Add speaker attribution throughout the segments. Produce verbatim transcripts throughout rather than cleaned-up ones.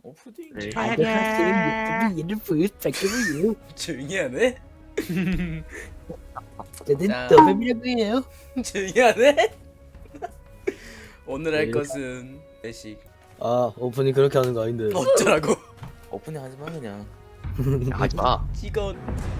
Speaker 1: 오프닝
Speaker 2: 네.
Speaker 3: 안녕하세요. 유튜브 이름 부탁드려요.
Speaker 1: 조용히 하네?
Speaker 3: 저는
Speaker 1: 자.
Speaker 3: 더뱀이라고요.
Speaker 1: 조용히 하네? 오늘 할
Speaker 3: 네.
Speaker 1: 것은 배식
Speaker 3: 아 오프닝 그렇게 하는 거 아닌데.
Speaker 1: 어쩌라고?
Speaker 2: 오프닝 하지마 그냥.
Speaker 4: 야, 하지마.
Speaker 1: 찍어.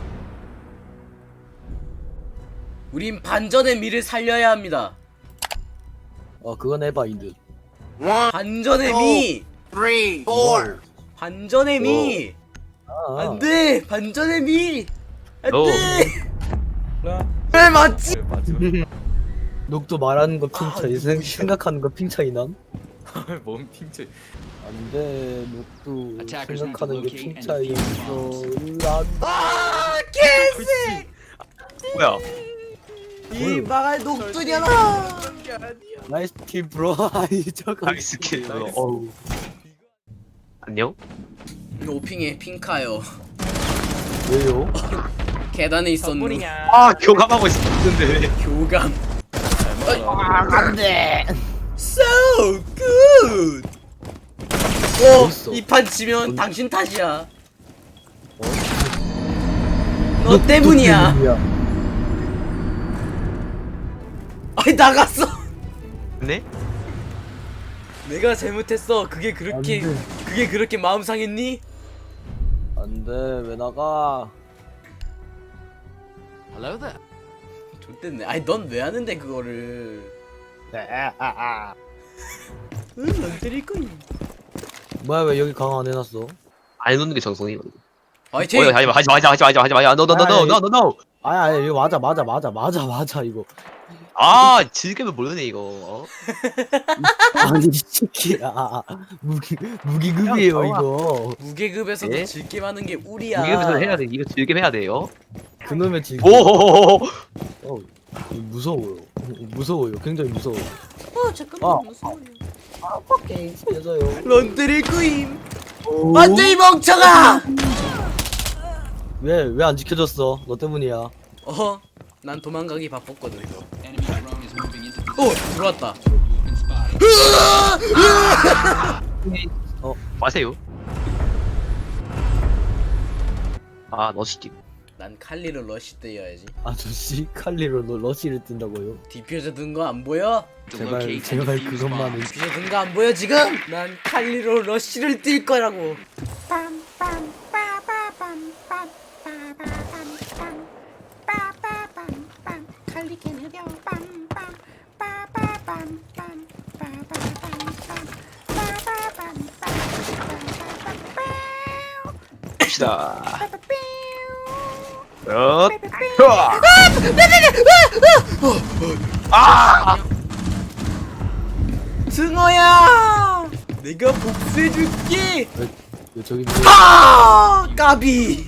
Speaker 1: 우린 반전의 미를 살려야 합니다.
Speaker 3: 아 그건 에바인드.
Speaker 1: 반전의 미!
Speaker 4: three, four.
Speaker 1: 반전의 미!
Speaker 3: 아,
Speaker 1: 안돼! 반전의 미!
Speaker 4: No.
Speaker 1: 안돼! 왜 맞지?
Speaker 3: 녹도 말하는 거 핑
Speaker 1: 아,
Speaker 3: 차이, 생-
Speaker 1: 누구야?
Speaker 3: 생각하는 거 핑 차이 남?
Speaker 2: 몸 핑크.
Speaker 3: 안돼 녹도
Speaker 5: Attackers need to
Speaker 3: 생각하는 게
Speaker 5: locate
Speaker 3: 핑
Speaker 5: and
Speaker 3: 차이
Speaker 5: defuse
Speaker 3: 있어. 난
Speaker 1: 아! 개새!
Speaker 4: 뭐야?
Speaker 1: 이 망할 녹두냐라!
Speaker 3: 나이스 킬 브로. 아이 저거.
Speaker 4: 나이스 킬. 어우. 안녕?
Speaker 1: 오핑에 핑카요.
Speaker 3: 왜요?
Speaker 1: 계단에 있었는데
Speaker 4: 아, 교감하고 있었는데.
Speaker 1: 교감.
Speaker 3: 안돼.
Speaker 1: So good. 오,
Speaker 3: 있어.
Speaker 1: 이 판 지면
Speaker 3: 어디-
Speaker 1: 당신 탓이야. 너 때문이야. 아니 나갔어.
Speaker 4: 네?
Speaker 1: 내가 잘못했어. 그게 그렇게
Speaker 3: 안돼.
Speaker 1: 그게 그렇게 마음 상했니?
Speaker 3: 안돼 왜 나가?
Speaker 5: Hello there.
Speaker 1: 좋댔네. 아니 넌 왜 하는데 그거를?
Speaker 3: 아,
Speaker 1: 응, 안 때릴 거니.
Speaker 3: 뭐야 왜 여기 강화 안 해놨어?
Speaker 4: 안 해놓는 게 정성이거든.
Speaker 1: 화이팅.
Speaker 4: 어, 하지마, 하지마, 하지마, 하지마, 하지마, 하지마. No, no, no, no, no, no, no.
Speaker 3: 아니 아니 이거 맞아 맞아 맞아 맞아 맞아 이거.
Speaker 4: 아, 즐기면 모르네 이거. 어?
Speaker 3: 아니 이 새끼야. 무기 무기급이에요
Speaker 4: 야,
Speaker 3: 이거.
Speaker 1: 무계급에서도
Speaker 4: 예?
Speaker 1: 즐게 하는 게 우리야.
Speaker 4: 이기면서 해야 돼. 이거 즐기면 해야 돼요.
Speaker 3: 그놈의 지.
Speaker 4: 오.
Speaker 3: 어, 무서워요. 무서워요. 굉장히 무서워요.
Speaker 1: 어 잠깐만
Speaker 3: 아.
Speaker 1: 무서워요.
Speaker 3: 아, 오케이 살려줘요.
Speaker 1: 넌 때릴 거임. 안돼 이 멍청아.
Speaker 3: 왜왜 안 지켜줬어? 너 때문이야.
Speaker 1: 어, 난 도망가기 바빴거든 이거.
Speaker 5: Enemy drone is moving into
Speaker 1: 오, 들어왔다.
Speaker 5: been spotted.
Speaker 4: 마세요. 아, 너시기.
Speaker 1: 난 칼리를 러시 때려야지.
Speaker 3: 아저씨 칼리로 너 러시를 뜬다고요?
Speaker 1: 디퓨저 든 거 안 보여?
Speaker 5: To
Speaker 3: 제발
Speaker 5: locate and
Speaker 3: 제발
Speaker 5: defuse
Speaker 3: 그것만은.
Speaker 5: bombs.
Speaker 1: 디퓨저 든 거 안 보여 지금? 난 칼리로 러시를 뛸 거라고.
Speaker 4: 갑시다. 어. 아!
Speaker 1: 승호야, 내가 복수해줄게.
Speaker 3: 왜 저기
Speaker 1: 아, 까비.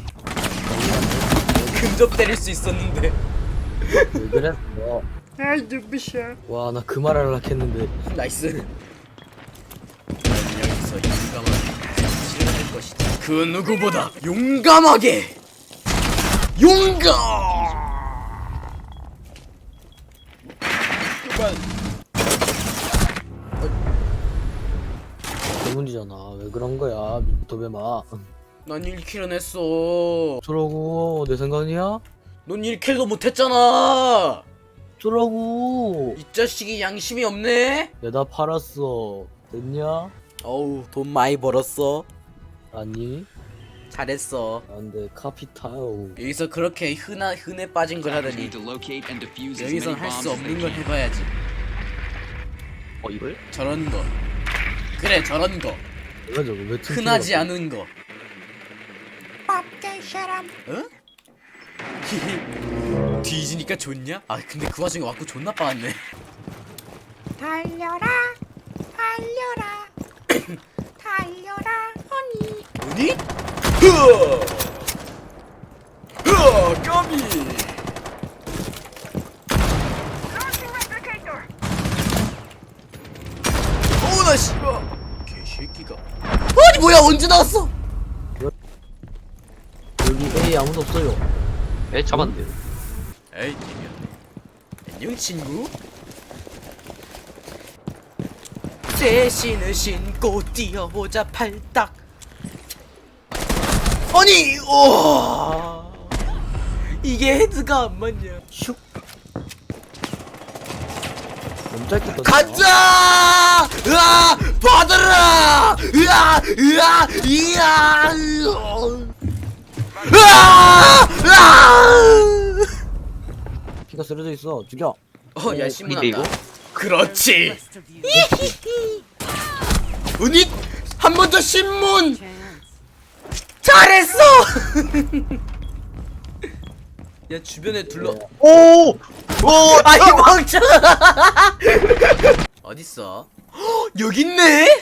Speaker 1: 근접 때릴 수 있었는데.
Speaker 3: 왜 그랬어?
Speaker 1: 아이 눈부셔.
Speaker 3: 와 나 그 말 하려고 했는데.
Speaker 1: 나이스. 난 여기서 용감하게 실현할 것이다. 그 누구보다 용감하게. 용감. 그만.
Speaker 3: 때문이잖아. 왜 그런 거야? 도배마.
Speaker 1: 난 일 킬은 했어.
Speaker 3: 저러고 내 생각이야?
Speaker 1: 넌 일 킬도 못했잖아.
Speaker 3: 저러고
Speaker 1: 이 자식이 양심이 없네.
Speaker 3: 내다 팔았어. 됐냐?
Speaker 1: 어우 돈 많이 벌었어.
Speaker 3: 아니
Speaker 1: 잘했어.
Speaker 3: 안돼 카피탈.
Speaker 1: 여기서 그렇게 흔하, 흔해 빠진 걸
Speaker 5: Attackers
Speaker 1: 하다니
Speaker 5: need to locate and defuse as
Speaker 1: 여기선
Speaker 5: many
Speaker 1: 할
Speaker 5: bombs
Speaker 1: 수
Speaker 5: as they
Speaker 1: 없는 걸
Speaker 5: can.
Speaker 1: 해봐야지.
Speaker 4: 어, 이걸?
Speaker 1: 저런 거. 그래 저런 거.
Speaker 3: 뭐야 저거 왜 튕겨?
Speaker 1: 흔하지 않은 거. 어? 히히. 뒤지니까 좋냐? 아 근데 그 와중에 왔고 존나 빠았네.
Speaker 6: 달려라 달려라 달려라 허니
Speaker 1: 어디? 흐어! 흐어! 까비! 어나 씨발! 개새끼가. 아니 뭐야 언제 나왔어?
Speaker 3: 여기 A 아무도 없어요.
Speaker 4: 에, 잡았는데.
Speaker 1: 에이 개미야. 안녕 친구. 새 신을 신고 뛰어보자 팔딱. 아니 오 이게 헤드가 안 맞냐.
Speaker 3: 슉. 너무 짧게 떴다.
Speaker 1: 가자! 으아! 받아라! 으아! 으아! 이야! 으아! 으아!
Speaker 3: 피가 쓰러져 있어. 죽여.
Speaker 1: 어, 야 신문
Speaker 4: 근데
Speaker 1: 한다. 그렇지. 은희 한 번 더 신문. 잘했어. 야 주변에 둘러.
Speaker 4: 오! 오!
Speaker 1: 아이 멍청. 어딨어? 헉, 여기 있네.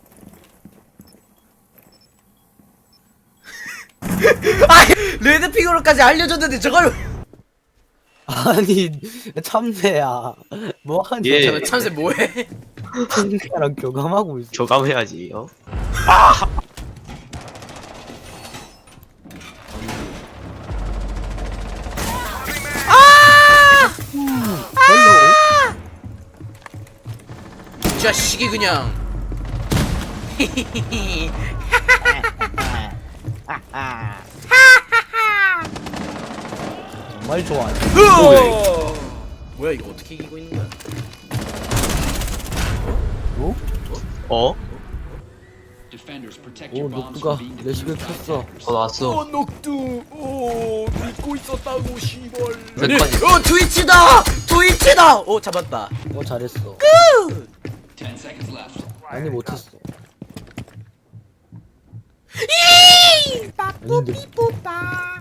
Speaker 1: 아 레드 핑으로까지 알려줬는데 저걸.
Speaker 3: 아니 참새야. 뭐하니?
Speaker 4: 예.
Speaker 1: 잠깐 참새 뭐해?
Speaker 3: 참새랑 교감하고 있어.
Speaker 4: 교감해야지. 어?
Speaker 3: 헬로.
Speaker 1: 이 자식이 그냥.
Speaker 3: 정말 좋아해.
Speaker 1: 으어! 뭐야 이거 어떻게 이기고 있는 거야?
Speaker 3: 어?
Speaker 4: 어?
Speaker 5: Defenders protect
Speaker 3: 오
Speaker 5: your bombs
Speaker 3: 녹두가
Speaker 5: from being
Speaker 3: 레시피
Speaker 5: defused by
Speaker 3: 폈어.
Speaker 5: attackers.
Speaker 4: 어 나왔어.
Speaker 1: 녹두 오 믿고 있었다고 시벌.
Speaker 4: 몇 번이지?
Speaker 1: 어 트위치다 트위치다. 오 잡았다.
Speaker 3: 어 잘했어.
Speaker 5: Ten seconds left.
Speaker 3: 아니 못했어.
Speaker 6: 이!
Speaker 3: 아닌데.
Speaker 6: 뽀빠.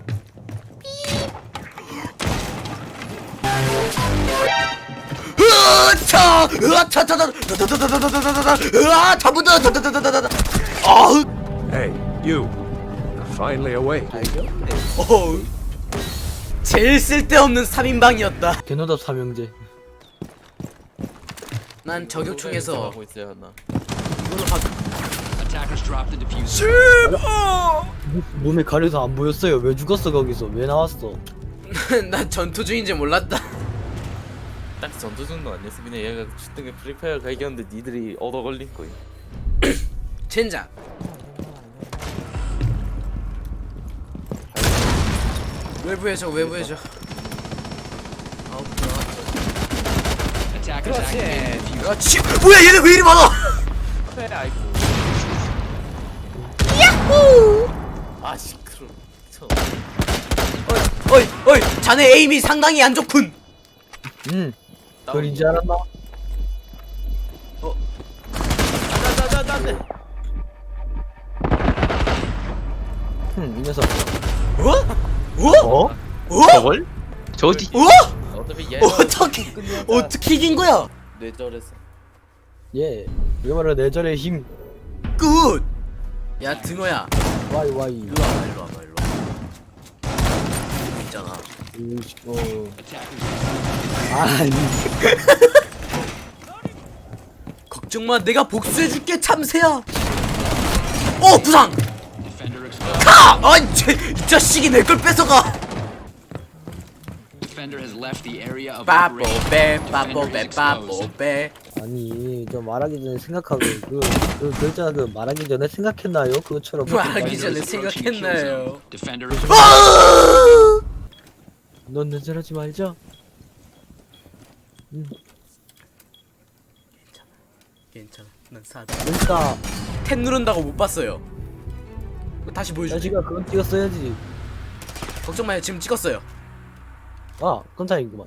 Speaker 1: 으차 으차 타타타타타타타타타타타 으아 잡은다 타타타타타타. 아우
Speaker 7: Hey, you. You're finally awake.
Speaker 1: 어우 제일 쓸데없는 삼 인방이었다.
Speaker 3: 개노답 삼형제.
Speaker 1: 난 저격총에서
Speaker 2: 하고 있어야 하나.
Speaker 1: 이걸로 가.
Speaker 5: Attackers drop the diffuser.
Speaker 3: 몸에 가려서 안 보였어요. 왜 죽었어 거기서? 왜 나왔어?
Speaker 1: 난 전투 중인지 몰랐다.
Speaker 2: 딱 전투 정도 아니었어. 그냥 얘가 주등에 프리파이어 가이겼는데 니들이 얻어 걸린 거야.
Speaker 1: 젠장. 외부해줘 외부해줘. 아우
Speaker 5: Attackers activated the diffuser.
Speaker 1: 그렇지. 뭐야 얘네 왜 이리 많아?
Speaker 2: 그래 아이고. 아 시끄러. 쳐.
Speaker 1: 어이 어이 자네 에임이 상당히 안 좋군.
Speaker 3: 응. 그걸 이제 알았나?
Speaker 1: 자자자자자.
Speaker 3: 흠, 이 녀석.
Speaker 1: 어? 어?
Speaker 4: 어?
Speaker 1: 어?
Speaker 4: 저걸? 저 어디?
Speaker 1: 어?
Speaker 2: 어차피 얘가
Speaker 1: 어떻게 어떻게 이긴 거야?
Speaker 2: 뇌절했어.
Speaker 3: 예. 이거 바로 내절의 힘.
Speaker 1: 굿. 야 등어야.
Speaker 3: 와이 와이.
Speaker 1: 일로 와봐 일로 와봐 일로 와봐. 있잖아.
Speaker 3: 으이씨, 어.
Speaker 5: Attackers.
Speaker 3: 아니.
Speaker 1: 걱정 마 내가 복수해줄게 참새야. 어 부상.
Speaker 5: Defender exposed.
Speaker 1: 카! 아이 쟤, 이 자식이 내 걸 뺏어가.
Speaker 5: Defender has left the area of operation.
Speaker 1: 빠뽀빼
Speaker 5: Defender
Speaker 1: 빠뽀빼
Speaker 5: is exposed.
Speaker 1: 빠뽀빼.
Speaker 3: 아니, 저 말하기 전에 생각하고 그, 그 글자 그 말하기 전에 생각했나요? 그것처럼.
Speaker 1: 말하기 전에
Speaker 5: Defender is approaching the kill
Speaker 1: 생각했나요?
Speaker 5: zone. Defender is
Speaker 1: 아!
Speaker 3: 넌 내절하지 말자. 음,
Speaker 1: 괜찮아 난 사다.
Speaker 3: 그러니까
Speaker 1: 탭 누른다고 못 봤어요. 다시 보여줄게.
Speaker 3: 자식아 그건 찍었어야지.
Speaker 1: 걱정 마요 지금 찍었어요.
Speaker 3: 아, 깜짝이구만.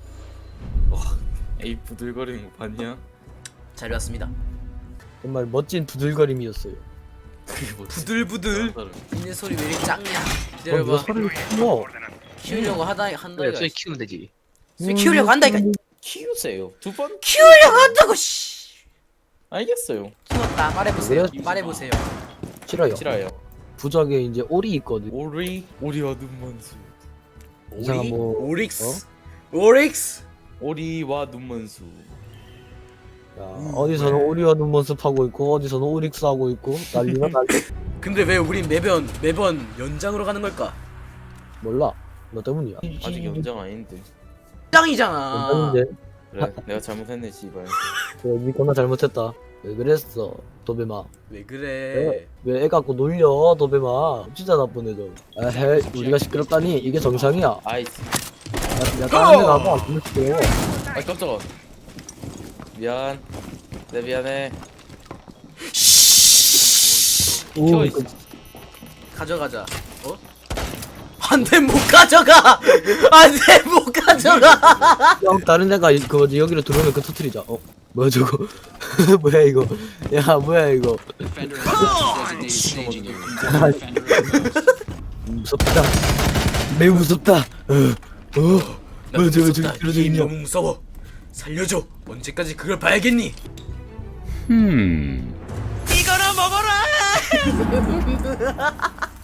Speaker 2: 에이 부들거리는 거 봤냐?
Speaker 1: 잘 봤습니다.
Speaker 3: 정말 멋진 부들거림이었어요.
Speaker 2: 그게 뭐지?
Speaker 1: 부들부들. 있는 소리 왜 이렇게 작냐?
Speaker 3: 어, 너
Speaker 1: 기다려봐.
Speaker 3: 소리를 키워.
Speaker 1: 키우려고 하다 한다
Speaker 4: 그래,
Speaker 1: 이거.
Speaker 4: 소리 키우면 되지.
Speaker 1: 소리 키우려고 한다 이거.
Speaker 2: 키우세요. 두 번
Speaker 1: 키우려고 한다고 씨.
Speaker 2: 알겠어요.
Speaker 1: 키웠다. 말해보세요.
Speaker 3: 그래?
Speaker 1: 말해보세요.
Speaker 3: 싫어요.
Speaker 2: 싫어요.
Speaker 3: 부적에 이제 올이 있거든.
Speaker 2: 오리 오리와 눈먼수.
Speaker 3: 이상한 뭐
Speaker 1: 오릭스. 오릭스.
Speaker 2: 오리와 눈먼수.
Speaker 3: 야, 어디서는 오리와 눈먼습 하고 있고 어디서는 오릭스 하고 있고 난리가 난리.
Speaker 1: 근데 왜 우린 매번 매번 연장으로 가는 걸까?
Speaker 3: 몰라. 너 때문이야.
Speaker 2: 아직 연장 아닌데.
Speaker 1: 연장이잖아.
Speaker 3: 연장인데.
Speaker 2: 그래 내가 잘못했네 씨발.
Speaker 3: 그래, 니 겁나 잘못했다. 왜 그랬어 도배마?
Speaker 1: 왜 그래?
Speaker 3: 왜 애 갖고 놀려 도배마? 진짜 나쁜 애죠. 에헤 우리가 시끄럽다니 이게 정상이야.
Speaker 2: 아이스.
Speaker 3: 야, 야 다른 데 가봐. 안 시끄러워.
Speaker 2: 아 깜짝아. 미안. 내 미안해.
Speaker 3: 오,
Speaker 2: 켜, 이
Speaker 3: 그,
Speaker 1: 가져가자. 어? 안돼 못 가져가. 안돼 못 가져가.
Speaker 3: 형 다른 애가 이- 그 뭐지 여기로 들어오면 그 터트리자. 어 뭐야 저거? 뭐야 이거? 야 뭐야 이거?
Speaker 5: Defender exposed. Designated staging area. Defender exposed.
Speaker 3: 무섭다. 매우 무섭다. 어, 어. 뭐야 저거 저기 들어져
Speaker 1: 이
Speaker 3: 있냐?
Speaker 1: 너무 무서워. 살려줘. 언제까지 그걸 봐야겠니?
Speaker 7: Hmm.
Speaker 1: 이거나 먹어라.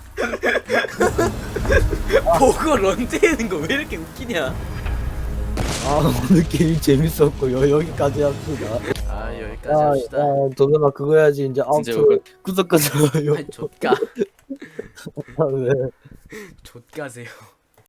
Speaker 1: 보고 런데이는 거 왜 이렇게 웃기냐?
Speaker 3: 아 오늘 게임 재밌었고요. 여기까지 합시다.
Speaker 1: 아 여기까지
Speaker 3: 아,
Speaker 1: 합시다.
Speaker 3: 아 도배마 그거 해야지 이제
Speaker 2: 진짜
Speaker 3: 아웃ro 구독 가져요.
Speaker 1: 아이 좆가
Speaker 3: 네.
Speaker 1: 좆가세요.